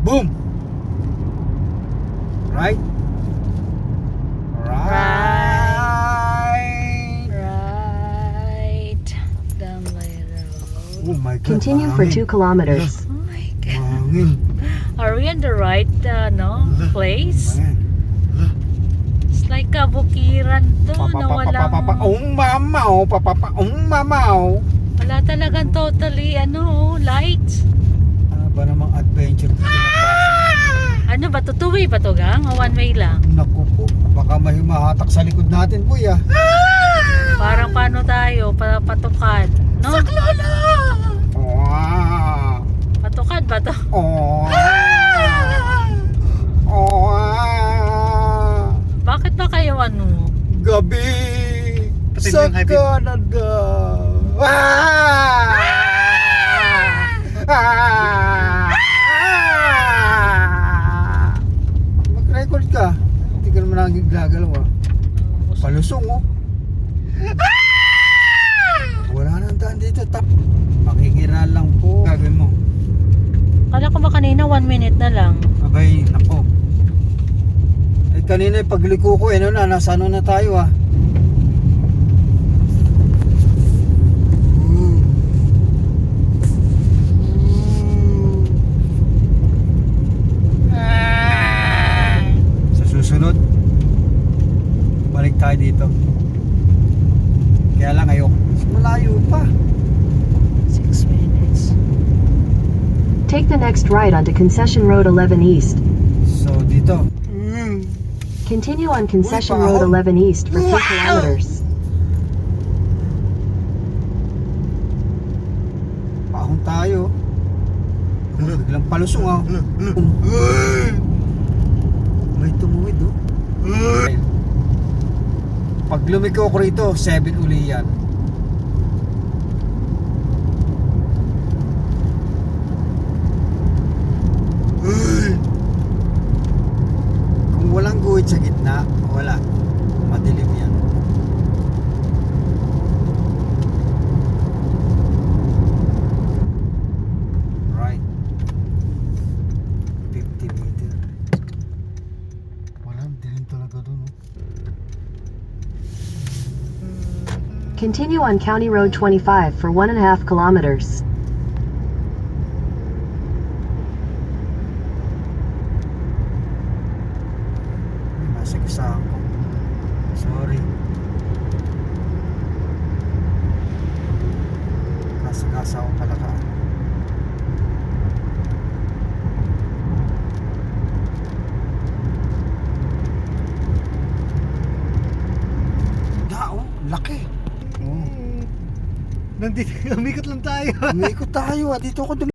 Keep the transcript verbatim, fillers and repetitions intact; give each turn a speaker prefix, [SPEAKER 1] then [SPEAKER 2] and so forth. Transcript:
[SPEAKER 1] Boom! Right? Right!
[SPEAKER 2] Right. Damlay Road.
[SPEAKER 1] Oh my God,
[SPEAKER 3] Continue for
[SPEAKER 1] mahangin.
[SPEAKER 3] two kilometers.
[SPEAKER 2] Oh my God.
[SPEAKER 1] Mahangin.
[SPEAKER 2] Are we in the right uh, no place?
[SPEAKER 1] Ayan.
[SPEAKER 2] It's like kabukiran to na walang
[SPEAKER 1] Papapapapapapaong mamaw, papapaong mamaw.
[SPEAKER 2] wala talagang totally ano lights.
[SPEAKER 1] Ano ba namang adventure dito na pasok?
[SPEAKER 2] Ano ba to? Two way ba to gang? O one way lang?
[SPEAKER 1] Naku po, baka may mahatak sa likod natin, kuya.
[SPEAKER 2] Parang paano tayo? Pa patukad. No?
[SPEAKER 1] Saklolo! Wow!
[SPEAKER 2] Patukad ba to?
[SPEAKER 1] Oh. Oh.
[SPEAKER 2] Bakit ba kayo ano?
[SPEAKER 1] Gabi
[SPEAKER 4] Patay
[SPEAKER 1] sa
[SPEAKER 4] mo yung high beam.
[SPEAKER 1] Canada. Ah! Ah! Mag-record ka. Hindi ka naman naging gagalaw ah. Palusong oh. Wala nang daan dito. Tap. Makikiral lang po. Gagawin mo.
[SPEAKER 2] Kala ko ba kanina one minute na lang.
[SPEAKER 1] Abay, nako. Eh kanina yung pagliko ko, eh, ano na, nasa ano na tayo ah. Mm. Mm. Sa susunod, balik tayo dito. Kaya lang ayok. Mas malayo pa.
[SPEAKER 2] Six minutes.
[SPEAKER 3] Take the next right onto Concession Road eleven East.
[SPEAKER 1] So dito. Mm.
[SPEAKER 3] Continue on Concession
[SPEAKER 1] Uy,
[SPEAKER 3] Road
[SPEAKER 1] paahon.
[SPEAKER 3] eleven East for three
[SPEAKER 1] Wow!
[SPEAKER 3] kilometers.
[SPEAKER 1] Paahon tayo. Biglang palusong ah. May tumuwid oh. Pag lumiko ko rito, seven uli yan. Kung walang guhit sa gitna, wala. Madilim yan. Right. fifty meter. Wala, dilim talaga dun. Oh.
[SPEAKER 3] Continue on County Road twenty-five for one and a half kilometers.
[SPEAKER 1] Ay, masigsahan ko. Sorry. Kasagasa akong palakaan. Da, oh, laki. Oh.
[SPEAKER 4] Nandito, umikot lang tayo.
[SPEAKER 1] Umikot tayo ah. Dito ako dum-